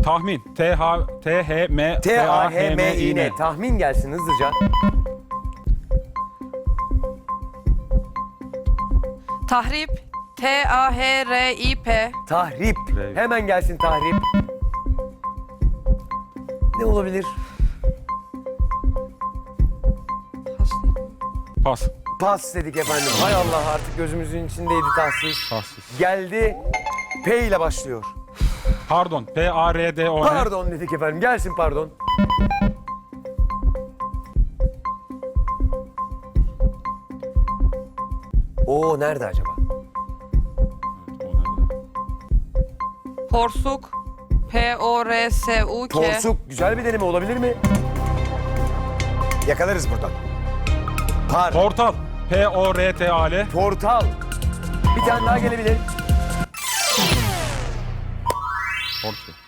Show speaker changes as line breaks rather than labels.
Tahmin. T-H-M
T-A-H-M-İ-N. Tahmin gelsin hızlıca.
Tahrip. T-A-H-R-İ-P.
Tahrip.
R.
Hemen gelsin tahrip. Ne olabilir?
Pas.
Pas dedik efendim. Hay Allah, artık gözümüzün içindeydi tahsis.
Tassiz.
Geldi. P ile başlıyor.
Pardon. P-A-R-D-O-N.
Pardon dedik efendim. Gelsin pardon. Oo, nerede acaba?
Porsuk. P-O-R-S-U-K.
Porsuk. Güzel bir deneme olabilir mi? Yakalarız buradan.
Portal. P-O-R-T-A-L.
Portal. Bir tane daha gelebilir.
Portal.